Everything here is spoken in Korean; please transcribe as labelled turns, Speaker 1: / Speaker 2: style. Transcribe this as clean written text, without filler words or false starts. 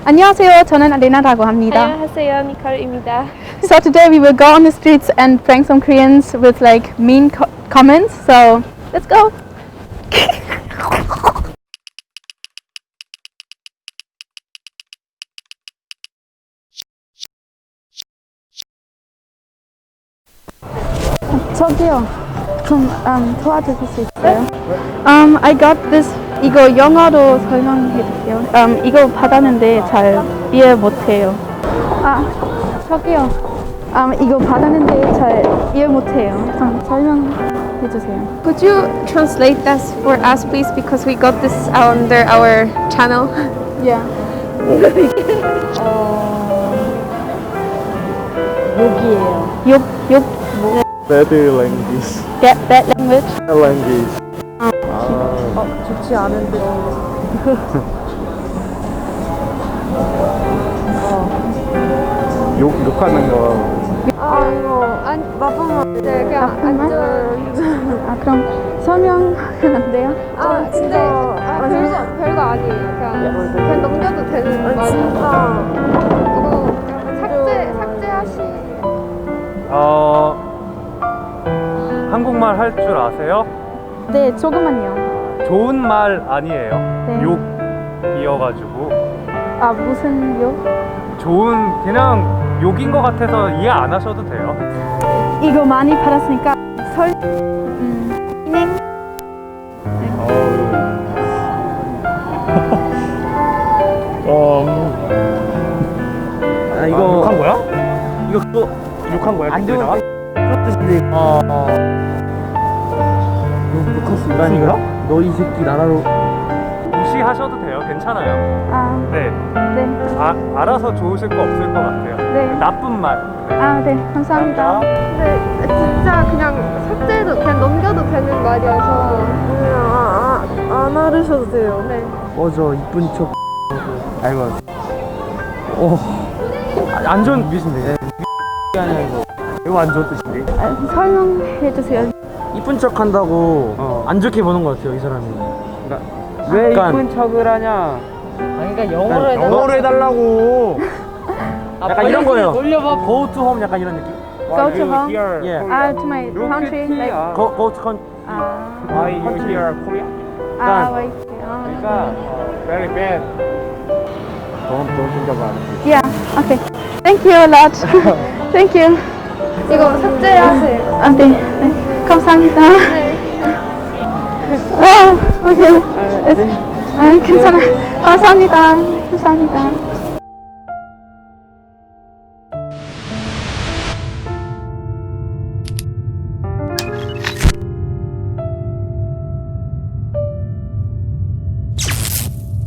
Speaker 1: 안녕하세요. 저는 아레나라고 합니다.
Speaker 2: 안녕하세요, 니콜입니다.
Speaker 1: So today we will go on the streets and prank some Koreans with like mean comments. So let's go. 저기요. 좀 도와주실 수 있어요? I got this. 이거 영어로 설명해 주세요. 이거 받았는데 잘 이해 못해요. 저기요. 이거 받았는데 잘 이해 못해요. 설명해 주세요.
Speaker 2: Could you translate that for us, please? Because we got this under our channel.
Speaker 1: Yeah. 욕이에요. 욕. 뭐?
Speaker 3: Bad language.
Speaker 1: Bad language.
Speaker 3: Language.
Speaker 1: 좋지 않은데.
Speaker 3: 욕하는 거.
Speaker 2: 이거 나쁜 말. 네, 그냥
Speaker 1: 나쁜 말? 그럼 설명하면 안 돼요?
Speaker 2: 근데 별거 아니에요. 그냥 넘겨도 되는 말이야. 이거 삭제하시.
Speaker 3: 한국말 할 줄 아세요?
Speaker 1: 네, 조금만요.
Speaker 3: 좋은 말 아니에요.
Speaker 1: 네.
Speaker 3: 욕이어가지고
Speaker 1: 무슨 욕?
Speaker 3: 좋은 그냥 욕인 것 같아서 이해 안 하셔도 돼요.
Speaker 1: 이거 많이 받았으니까 진행.
Speaker 3: 이거 욕한 거야? 이거 또 욕한 거야? 안 좋은 뜻인데. 욕할 수 있으니까? 너 이 새끼 나라로 무시하셔도 돼요. 괜찮아요. 네.
Speaker 1: 네.
Speaker 3: 알아서 좋으실 거 없을 것 같아요.
Speaker 1: 네.
Speaker 3: 나쁜 말.
Speaker 1: 네, 감사합니다.
Speaker 2: 근데 진짜 그냥 삭제해도 그냥 넘겨도 되는 말이어서 안 하셔도 돼요. 네.
Speaker 3: 꺼져 이쁜 척. 아이고. 안 좋은 뜻인데. 아니야 이거. 이거 안 좋은 뜻인데.
Speaker 1: 설명해 주세요.
Speaker 4: 이쁜 척 한다고 안 좋게 보는 것 같아요, 이 사람이. 그러니까
Speaker 3: 왜
Speaker 4: 약간-
Speaker 3: 이쁜 척을 하냐?
Speaker 4: 그러니까 영어로 해달라고. 약간 이런 거예요.
Speaker 3: 돌려봐.
Speaker 4: Go to home 약간 이런 느낌.
Speaker 1: Go to home.
Speaker 4: Yeah.
Speaker 1: To my country. Like,
Speaker 4: Go to country.
Speaker 3: Why you here Korea?
Speaker 1: wait.
Speaker 3: 그러니까 very bad. Don't think about it.
Speaker 1: Yeah. Okay. Thank you a lot. Thank you.
Speaker 2: 이거 삭제하세요.
Speaker 1: 네. 감사합니다. 오케이. 괜찮아. 감사합니다.